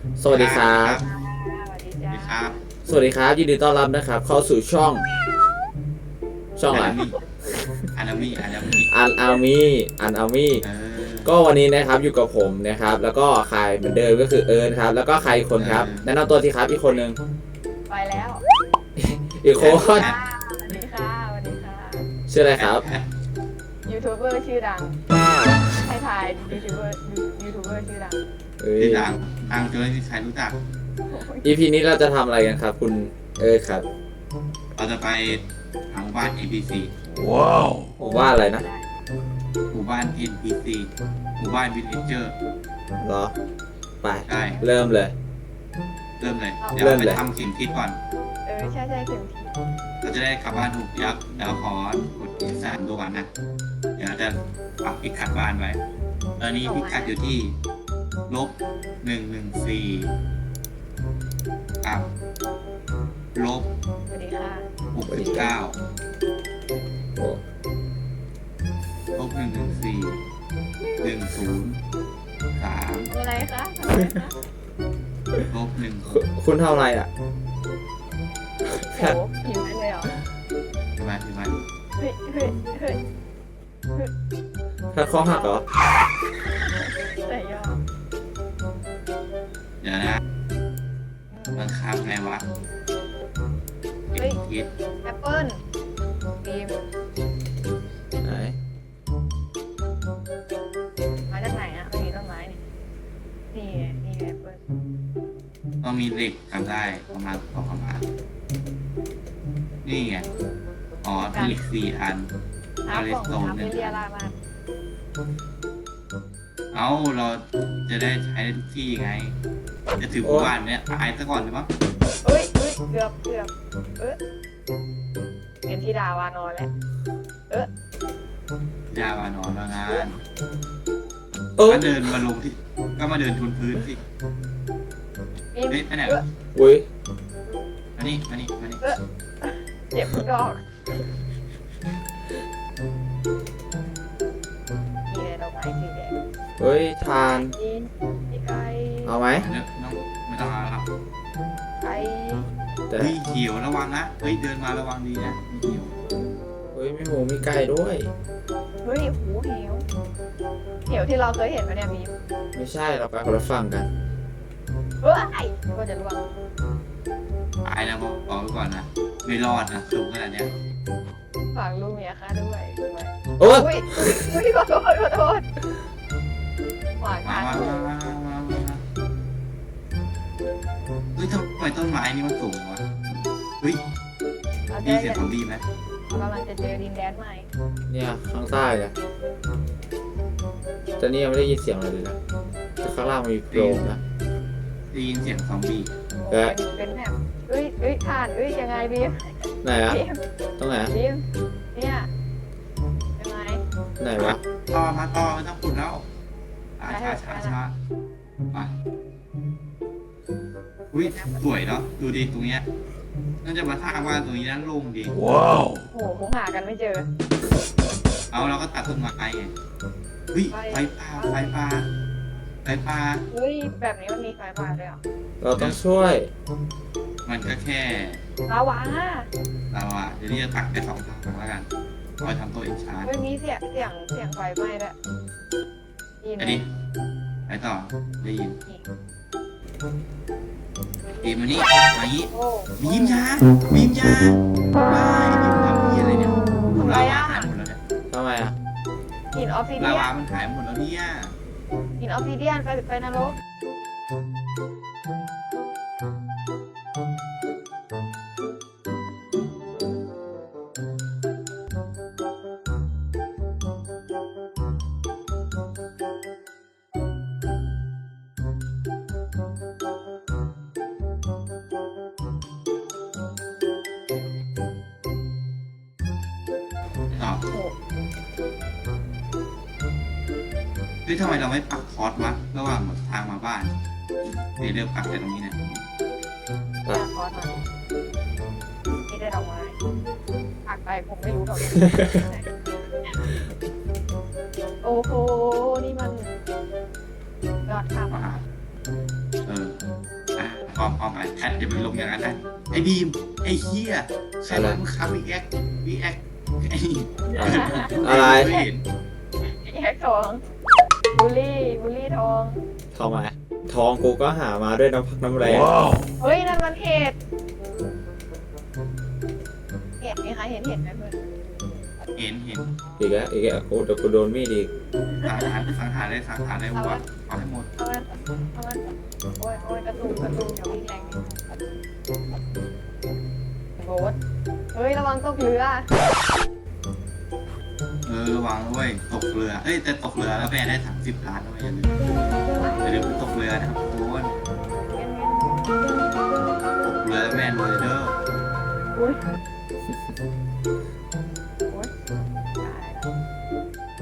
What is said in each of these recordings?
สวัสดีครับสวัสดีสวัสจ้าดีครับสวัสดีครับยินดีต้อนรับนะครับเข้าสู่ช่องอะไรอานามิอานามิอันอามี่เออก็วันนี้นะครับอยู่กับผมนะครับแล้วก็ใครเหมือนเดิมก็คือเอิร์นครับแล้วก็ใครอีกคนครับแนะนำตัวทีครับอีกคนหนึ่งไปแล้วอีกคนสวัสดีค่ะสวัสดีค่ะชื่ออะไรครับยูทูบเบอร์ชื่อดังให้ทายยูทูบเบอร์ชื่อดังเอ้ยที่ดังดังจนไม่มีใครรู้จัก EP นี้เราจะทำอะไรกันครับคุณเอิร์นครับเราจะไปหาหมู่บ้าน NPC ผมว่าอะไรนะหมู่บ้าน NPC หมู่บ้าน Villager เหรอไปใช่เริ่มเลยเริ่มเลย เดี๋ยวเริ่เรามไปเลยทำเข็มทิศก่อนใช่เข็มทิศเราจะได้กลับบ้านถูกยับเดี๋ยวขอกดที่3ตัวก่อนนะ เดี๋ยวเราจะปักพิกัดบ้านไว้ ตอนนี้พิกัดอยู่ที่-114กับลบสวัสดีค่ะ 69 โอ้ -114 103 อะไรคะทำอะไรคะคุณทำอะไรอ่ะโหหิวไหมเลยเหรอใช่ไหมใช่ไหมเฮ้ยถ้าข้อหักเหรอแต่ย่อเดี๋ยวนะมันข้ามไงวะเป็นทิศแอปเปิ้ลบีมไหนมาจากไหนอ่ะไม่มีต้นไม้นี่นี่แอปเปิ้ลต้องมีเหล็กทำได้ประมาณ2 ประมาณนี่ไงอ๋อเป็นเหล็ก4 อันน้ำของน้ำไม่เรียรามาเอ้าเราจะได้ใช้ได้ทุกที่ไง จะถือหมู่บ้านเนี้ยตายซะก่อนเลยมั้งเฮ้ยเกือบเป็นที่ดาวานอนแล้วยาวานอนมางานโอ้ก็เดินมาลงที่ก็มาเดินทุนพื้นสิบีมเฮ้ยไปไหนวะอุ้ยมานี่มานี่มานี่เจ็บทุกดอกมีอะไรดอกไม้สีแดงเฮ้ยทานนี่ไก่เอาไหมเดี๋ยวน้องไม่ต้องเอาแล้วครับไก่แต่เฮ้ยเขียวระวังนะเฮ้ยเดินมาระวังดีนะมีเขียวเฮ้ยมีหมูมีไก่ด้วยเฮ้ยหูเหวที่เราเคยเห็นมาเนี่ยบีมไม่ใช่เราไปคนละฝั่งกันเฮ้ยก็จะล่วงตายนะบอกไว้ก่อนนะไม่รอดนะสูงขนาดเนี้ยฝากลูกเมียค่ะด้วยโอ้ยอุ้ยขอโทษหวานมาทานมาเฮ้ยทำไมต้นไม้นี่มันสูงวะเฮ้ยเรามีเสียงซอมบี้ไหมกำลังจะเจอดินแดนใหม่เนี่ยข้างใต้เนี่ยแต่นี่ยังไม่ได้ยินเสียงอะไรเลยนะแต่ข้างล่างมันมีโพรงนะได้ยินเสียงซอมบี้เป็นแบบทานยังไงบีมไหนอะบีมตรงไหนอะบีมเนี่ยยังไงไหนวะต่อมาต่อไม่ต้องขุดแล้วช้ามาอุ้ยสวยเนาะดูดิตรงเนี้ยน่าจะมาสร้างบ้านตรงนี้นั่นโล่งดีโอ้โหคงหากันไม่เจอเอาเราก็ตัดต้นไม้ไงเฮ้ยไฟป่าเฮ้ยแบบนี้มันมีไฟฟ้าด้วยเหรอเราต้องช่วยมันก็แค่ลาวาเราอะเดี๋ยวนี้จะตักไป2 ถังแล้วกันคอยทำตัวเองช้าเฮ้ยมีเสียงไฟไหม้ด้วยยินอันนี้ไปต่อได้ยินบีมมานี่มางี้โอ้บีมช้าไม่บีมทำนี่อะไรเนี่ยลาวาหายหมดแล้วเนี่ยทำไมอะหินออฟซิเดีลาย วานนมันหายหมดแล้วเนี่ยหินออฟซิเดียนไปนรกต่อโอ้โหเฮ้ยทำไมเราไม่ปักคอร์สวะระหว่างทางมาบ้านเดี๋ยวเลือกปักแต่ตรงนี้เนี่ยอยากคอสมานี่ได้ดอกไม้ปักไปผมไม่รู้ดอกไม้โอ้โหนี่มันยอดค่ะมาเอออ้อมไปแพทอย่าไปลงอย่างนั้นนะไอ้บีมไอ้เหี้ยใครมามึงขับวีแอคไอ้อะไรไม่เห็นแยกทองบุลี่ทองทองมาทองกูก็หามาด้วยน้ำพักน้ำแรงเฮ้ยนั่นมันเห็ดมีใครเห็นเห็ดไหมเพื่อนเห็นอีกแล้วโอ้เดี๋ยวกูโดนมีดอีกสังหารได้หัวเอาให้หมดเอามันโอ้ยกระตุกอย่าวิ่งแรงโบ๊ทเฮ้ยระวังตกเรือระวังด้วยตกเรือเอ้ยแต่ตกเรือแล้วแม่ได้30 ล้านด้วยอย่าลืมตกเรือนะครับทุกคนตกเรือแล้วแม่รวยเด้ออุ้ยตายแล้ว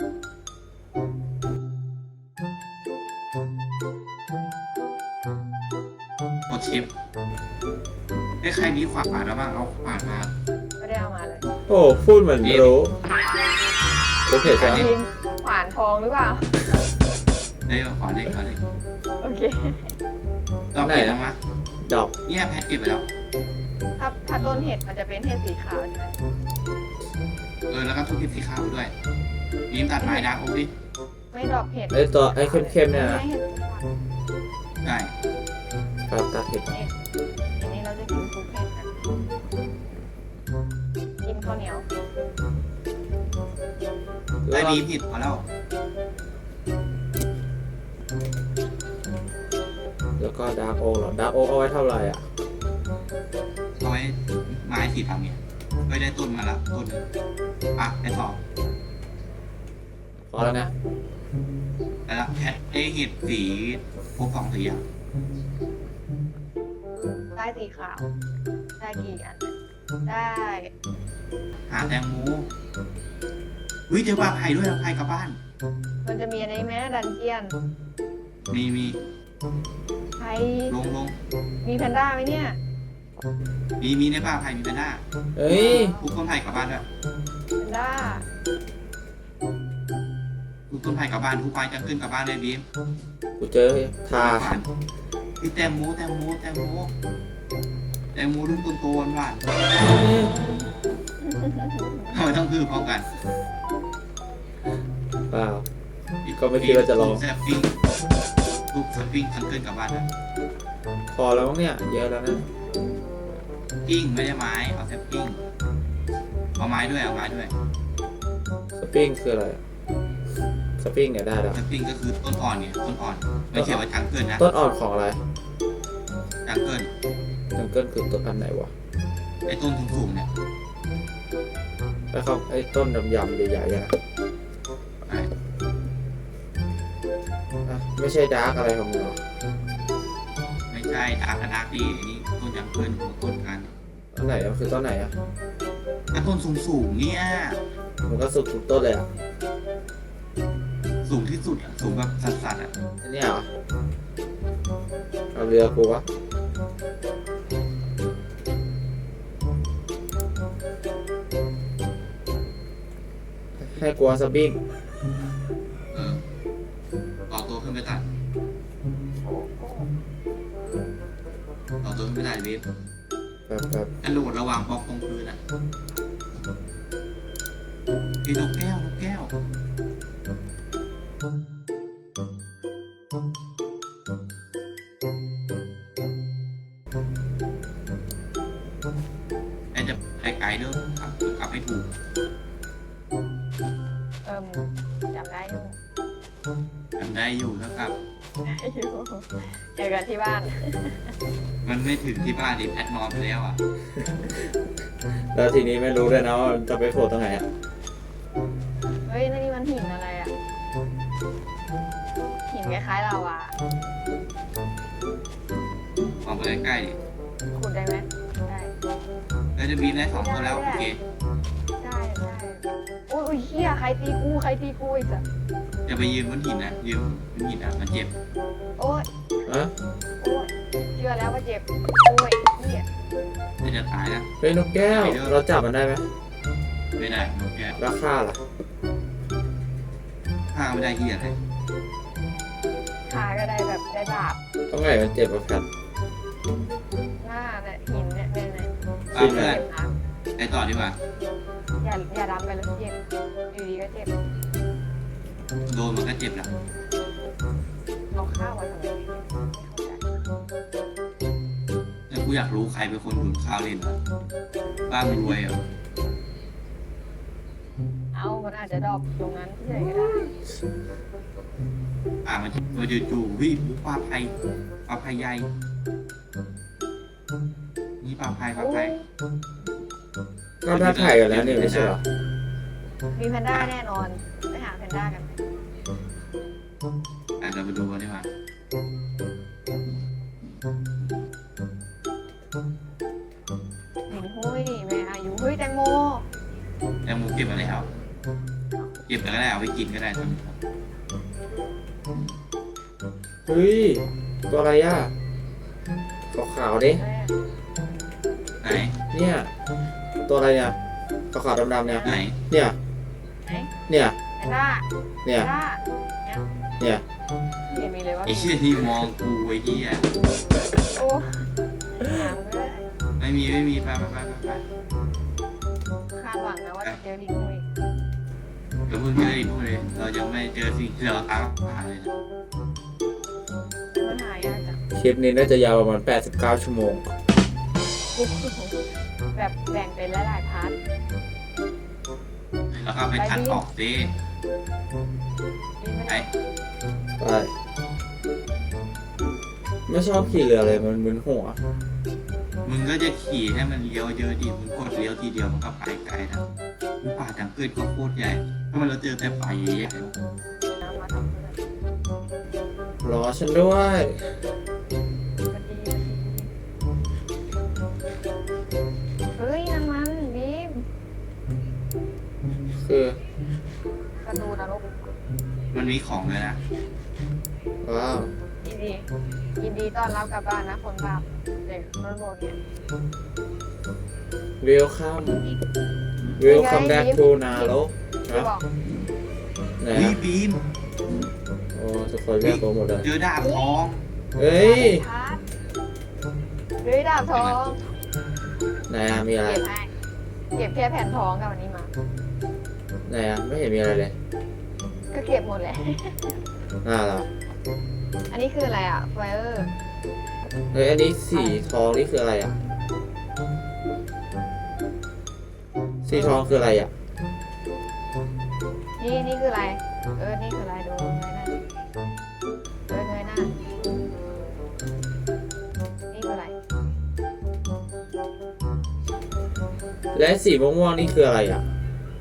กดชิปใครมีขวานแล้วบ้างเอาขวานมาไม่ได้เอามาเลยโอ้พูดเหมือนรู้โอเคใช่ไหมจริงขวานทองหรือเปล่าได้ขวานได้โอเคเราเก็บแล้วมั้ยดอกเนี่ยแพทเก็บไปแล้วถ้าต้นเห็ดมันจะเป็นเห็ดสีขาวใช่ไหมแล้วก็ทุกทิศสีขาวด้วยยิ้มตัดไม้ดักดิไม่ดอกเห็ดไอ้ตัวไอ้เข้มๆเนี่ยนะไม่เห็ดสีขาวได้ครับตัดเห็ดอันนี้เราจะกินซุปเห็ดกันกินข้าวเหนียวได้ดีผิดพอแล้วแล้วก็ดาร์กโอ๊กเหรอดาร์กโอ๊กเอาไว้เท่าไหร่อ่ะเอาไว้ไม้สีทำเนี่ยไม่ได้ต้นมาละต้นได้สองพอแล้วนะแล้วแพทได้เห็ดสีพวก2 สีอ่ะได้สีขาว ได้กี่อันได้หาแตงโมเจอปลาไผ่ด้วยปลาไผ่กลับบ้านมันจะมีอันนี้ไหมดันเจียนมีไพลงมีแพนด้าไหมเนี่ยมีในป่าไผ่มีเป็นหน้าเฮ้ยปลูกต้นไผ่กลับบ้านด้วยแพนด้าปลูกต้นไผ่กลับบ้านทุกไปจะขึ้นกลับบ้านเลยบีมกูเจอทาพี่แตงโมลูกโตๆหวานๆทำไมต้องคือพร้อมกันเปล่า ก็ไม่คิดว่าจะลองแซฟปิ้งลูกแซฟปิ้งฉันขึ้นกลับบ้านนะพอแล้วมั้งเนี่ยเยอะแล้วนะปิ้งไม่ได้ไม้เอาแซฟปิ้งเอาไม้ด้วยสปริงคืออะไรอะสปริงเนี่ยได้แล้วแซฟปิ้งก็คือต้นอ่อนเนี่ยต้นอ่อนไม่เขียนว่าจังเกิลนะต้นอ่อนของอะไรจังเกิลจังเกิลคือต้นอันไหนวะไอ้ต้นสูงๆเนี่ยแล้วเขาไอ้ต้นดำๆใหญ่ๆอะนะอ่ะไม่ใช่ดาร์กอะไรของมึงหรอไม่ใช่ดาร์กดีอันนี้ต้นจังเกิลของต้นกันต้นไหนอะคือต้นไหนอะถ้าต้นสูงๆเนี่ยมันก็สุดทุกต้นเลยอะสูงที่สุดอะสูงแบบสัสๆอ่ะอันเนี้ยเหรอเอาเรือกูวะให้กลัวสปริงต่อตัวขึ้นไปตัดต่อตัวขึ้นไปตัดเวฟแบบกระโดดระหว่างบล็อกตรงพื้นอ่ะพี่นกแก้วไอ้จะไกลๆเด้อกลับให้ถูกจำได้อยู่ทำได้อยู่แล้วครับเจอกันที่บ้านมันไม่ถึงที่บ้านดิแพทนอนไปแล้วอ่ะแล้วทีนี้ไม่รู้ด้วยนะว่าจะไปโผล่ตรงไหนอะเฮ้ยนี่มันหินอะไรอ่ะ หินคล้ายๆลาวามองไปใกล้ๆดิขุดได้ไหมได้แล้วจะบินได้2 ตัวแล้วโอเคได้โอ้ยเฮียใครตีกูอีกอ่ะจะไปยืนบนหินนะยืนบนหินอ่ะมันเจ็บโอ้ยอะโอ้ยเชื่อแล้วว่าเจ็บ โอ้ยเฮียจะตายนะเฮ้ยนกแก้ว เราจับมันได้ไหมไม่ได้นกแก้วราคาล่ะฆ่าไม่ได้เหี้ยอะไรขาก็ได้แบบได้ดาบต้องไหนมันเจ็บกว่าแพทหน้าเนี่ยหินเนี่ยเนี่ยเอาเพื่อนเจ็บนะไปต่อดีกว่าอย่าดำไปเลยเจ็บอยู่ดีก็เจ็บโดนมันก็เจ็บละเอาข้าวมาทำไมไม่เข้าใจแล้วกูอยากรู้ใครเป็นคนดูดข้าวเล่นวะบ้ามึงรวยเหรอเอามันอาจจะดรอปตรงนั้นเฉยก็ได้มันจะจู่ๆวิปลาไผ่ใหญ่นี่ปลาไผ่ก็ได้ถ่ายกันแล้วนี่ไม่ใช่เหรอมีแพนด้าแน่นอนไปหาแพนด้ากันเราไปดูกันดีกว่าเห็นหุ้ยแม่อายุเฮ้ยแตงโมแล้วมูเก็บอะไรเอาเก็บแล้วก็ได้เอาไปกินก็ได้ทั้งหมดเฮ้ยตัวอะไรอ่ะขาวๆดิไหนเนี่ยตัวอะไรเนี่ยขาวๆดำๆเนี่ยไหนเนี่ยไหนเนี่ยแพนด้าเนี่ยแพนด้าเนี่ยเห็นมีเลยว่าไอ้เชี่ยที่มองกูไอ้เหี้ยโอ้หางเลยไม่มีไปคาดหวังนะว่าจะเจอลิงหุ้ยเดี๋ยวเพิ่งเจออีกพวกเลยเรายังไม่เจอสิ่งที่เราตามหาเลยนะมันหายากจังคลิปนี้น่าจะยาวประมาณ89 ชั่วโมงแบบแบ่งเป็นหลายๆพาร์ทแล้วก็ไปคัดออกสินี่ไม่ไอ้ได้ไปไม่ชอบขี่เรือเลยมันมึนหัวมึงก็จะขี่ให้มันเลี้ยวเยอะดิมึงกดเลี้ยวทีเดียวมันก็ไปไกลนะมึงป่าจังเกิดก็โคตรใหญ่ถ้ามันเราเจอแต่ป่าใหญ่น้ำมาทำเพื่อนรอฉันด้วยก็ดีเฮ้ยนั่นมันบีมคือกระดูนรกมันมีของเลยนะว้าวยินดีต้อนรับกลับบ้านนะคนบาปเด็กรถโบเนี่ยเวลคัมแบ็กทูนาโลกที่นะบอกไหนเฮ้ยอะบีมโอ้จะคอยแยกตัวหมดเลยเจอดาบทองเฮ้ยพาร์ทเฮ้ยดาบทองไหนอะมีอะไรเก็บให้เก็บแค่แผ่นทองกับวันนี้มาไหนอะไม่เห็นมีอะไรเลยก็เก็บหมดแหละเหรออันนี้คืออะไรอ่ะไฟเออร์เฮ้ยอันนี้สีทองนี่คืออะไรอะสีทองคืออะไรอะนี่คืออะไรนี่คืออะไรดูเงยหน้านี่คืออะไรและสีม่วงๆนี่คืออะไรอะ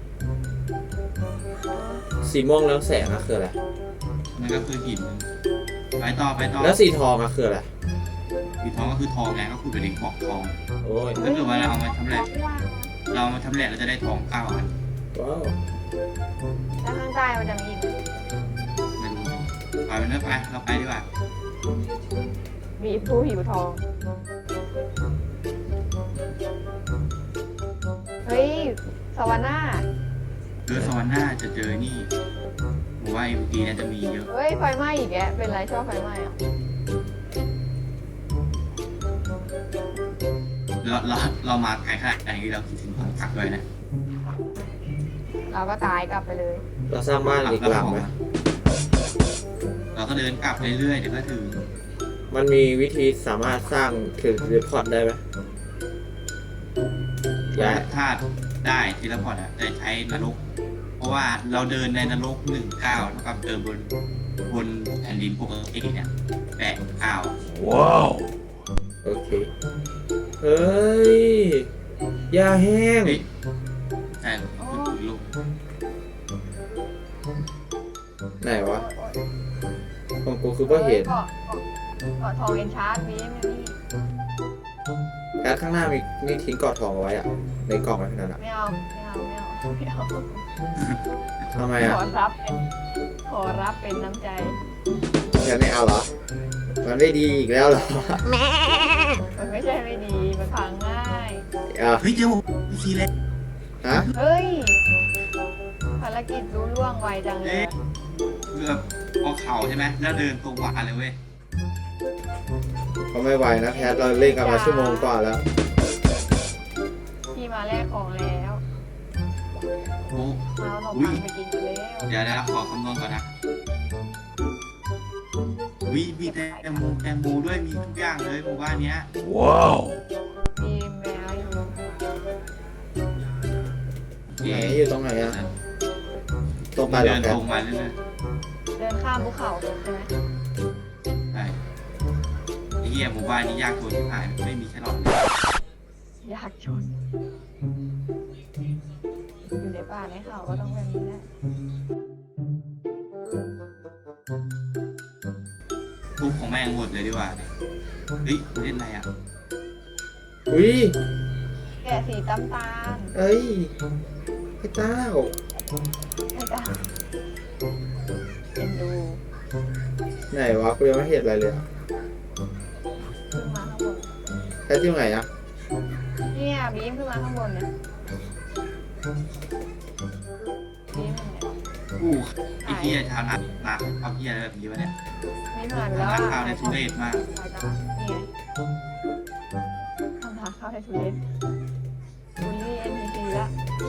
สีม่วงแล้วแสงอะคืออะไรมันก็คือหินไปต่อแล้วสีทองอะคืออะไรสีทองก็คือทองไงก็คือเป็นบอกทองโอ้ยถ้าเกิดว่าเราเอามาทำแหลกเราเอามาทำแหลกเราจะได้ทอง9อันว้าวแล้วข้างใต้มันจะมีอีกไม่รู้ไปมันไปเราไปดีกว่ามีผู้หิวทอง เฮ้ยสวรรค์หน้าสวรรค์หน้าจะเจอนี่ผมว่า MG น่าจะมีเยอะเฮ้ยไฟไหม้อีกแกเป็นไรชอบไฟไหม้อ่ะเรามาไกลขนาดนี้เราคิดถึงของผักด้วยนะเราก็ตายกลับไปเลยเราสร้างบ้านอีกหลังไหมเราก็เดินกลับเรื่อยๆเดี๋ยวก็ถึงมันมีวิธีสามารถสร้างถึงรีพอร์ตได้ไหมย้ายถ้าได้ทีละพอร์ตอะแต่ใช้นรก เพราะว่าเราเดินในนรก19เท่ากับเดินบนแผ่นดินปกติเนี่ย8 ว้าวโอเคเฮ้ยยาแห้งเฮ้ยใช่คือลูกไหนวะของกูคือว่าเห็นเกาะทองเอ็นชาร์ดมีไหมนี่แอดข้างหน้ามีทิ้งกอดทองเอาไว้อะในกล่องอะไรนั่นอะไม่เอาทำไมอะขอรับเป็นน้ำใจแค่ไม่เอาเหรอมันไม่ดีอีกแล้วเหรอมันไม่ใช่ไม่ดีมันพังง่ายอ่ะเฮ้ยเจอผมซีเล็กฮะเฮ้ยภารกิจรู้ล่วงไวจังเลยเพื่อพอเข่าใช่ไหมแล้วเดินตรงหวานเลยเว้ยโอก็ไม่ไหวนะแพทเราเล่นกันมาชั่วโมงกว่าแล้วพี่มาแลกของแล้วโอ้เอาขนมปังไปกินกันแล้วเดี๋ยวขอคำนวณก่อนนะวิมีแตงโมด้วยมีทุกอย่างเลยหมู่บ้านเนี้ยมีแมวอยู่ไหนอยู่ตรงไหนอะตรงไปเหรเดิอน แพตทรงมาเรื่อยเดินข้ามภูเขาใช่ไหมๆใช่ไอ้เหี้ยหมู่บ้านนี้ยากจนที่หายไม่มีแค่หลอดเลยอยากชนอยู่ในป่าในเขาก็ต้องแบบนี้แหละทุบของแม่งหมดเลยดีกว่าเฮ้ยเล่นอะไรอ่ะอุ้ยแกะสีตำตาลเอ้ยไอ้เต้าไม่ได้เอ็นดูไหนวะกูยังไม่เห็นอะไรเลยอะขึ้นมาข้างบนแพทอยู่ไหนอะเนี่ยบีมขึ้นมาข้างบนเนี่ยบีมเนี่ยอู้ไอ้เหี้ยชาวนาเอาเหี้ยอะไรแบบนี้วะเนี่ยบีมหายไปแล้วร้านอะข้าวในทุเรศมากสายตานี่ไงทำทางเข้าให้ทุเรศบุลลี่ NPC ละ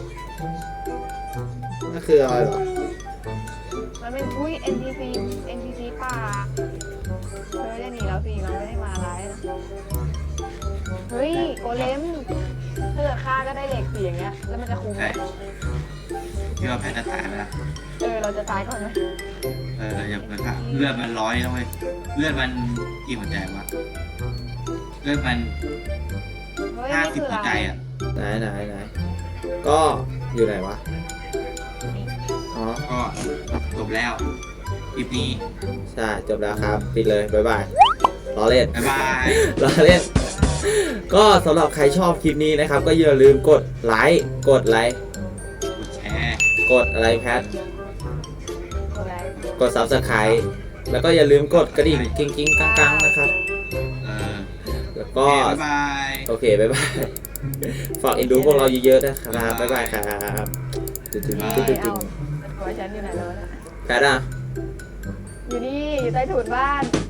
นั่นคืออะไรเหรอมันเป็นอุ้ย NPC ป่าเธอจะหนีแล้วสิเราไม่ได้มาร้ายนะเฮ้ยโกเลมถ้าเกิดฆ่าก็ได้เหล็กสีอย่างเงี้ยแล้วมันจะคุ้มไหมใช่ที่ว่าแพทย์จะตายไปละเราจะตายก่อนไหมอย่าเปิดค่ะเลือดมัน100นะเว้ยเลือดมันกี่หัวใจวะเลือดมันเฮ้ยนี่คือ 50หัวอะใจไรอ่ะไหนก็อยู่ไหนวะอ๋อก็จบแล้วคลิปนี้ใช่จบแล้วครับปิดเลยบ๊ายบายล้อเล่นบ๊ายบายล้อเล่น ก็สำหรับใครชอบคลิปนี้นะครับ ก็อย่าลืมกดไลค์กดกดแชร์กดอะไรแพทอะไรกด Subscribe แล้วก็อย่าลืมกดกระดิ่งกิ้งกังๆนะครับ แล้วโอก็เคบ๊ายบายโอเคบ๊ายบายฝากเอ็นดูพวกเราเยอะๆนะครับบ๊ายบายครับตึ๊ดเอาๆตัวฉันอยู่ไหนแล้วนะแพทอ่ะอยู่นี่อยู่ใต้ถุนบ้าน